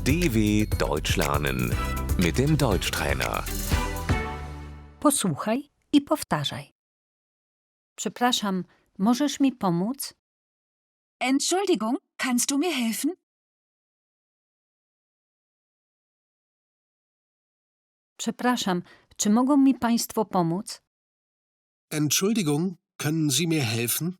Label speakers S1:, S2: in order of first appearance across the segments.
S1: DW Deutsch lernen mit dem Deutschtrainer.
S2: Posłuchaj i powtarzaj. Przepraszam, możesz mi pomóc?
S3: Entschuldigung, kannst du mir helfen?
S2: Przepraszam, czy mogą mi państwo pomóc?
S4: Entschuldigung, können Sie mir helfen?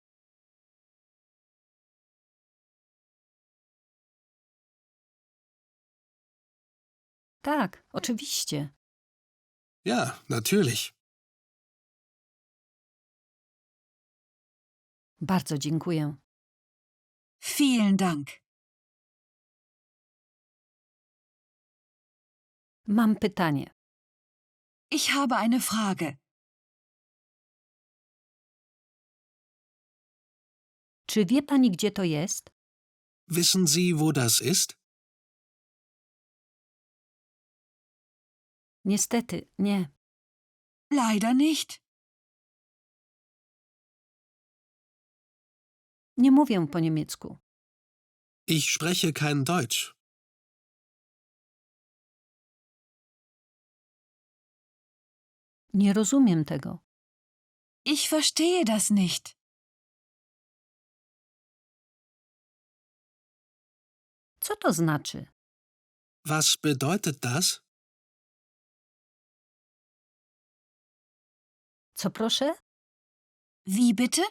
S2: Tak, oczywiście.
S4: Ja, natürlich.
S2: Bardzo dziękuję.
S3: Vielen Dank.
S2: Mam pytanie.
S3: Ich habe eine Frage.
S2: Czy wie pani, gdzie to jest?
S4: Wissen Sie, wo das ist?
S2: Niestety, nie.
S3: Leider nicht.
S2: Nie mówię po niemiecku.
S4: Ich spreche kein Deutsch.
S2: Nie rozumiem tego.
S3: Ich verstehe das nicht.
S2: Co to znaczy?
S4: Was bedeutet das?
S2: Co proszę?
S3: Wie bitte?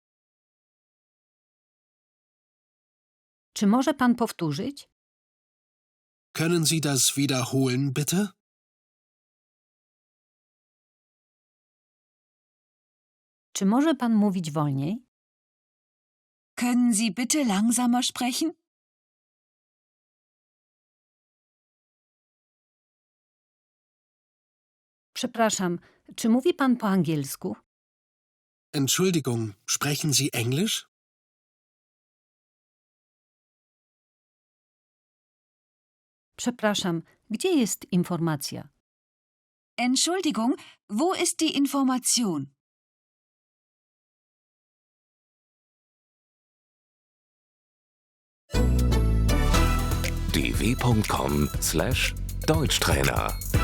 S2: Czy może pan powtórzyć?
S4: Können Sie das wiederholen, bitte?
S2: Czy może pan mówić wolniej?
S3: Können Sie bitte langsamer sprechen?
S2: Przepraszam, czy mówi pan po angielsku?
S4: Entschuldigung, sprechen Sie Englisch?
S2: Przepraszam, gdzie jest informacja?
S3: Entschuldigung, wo ist die Information?
S1: dw.com/Deutschtrainer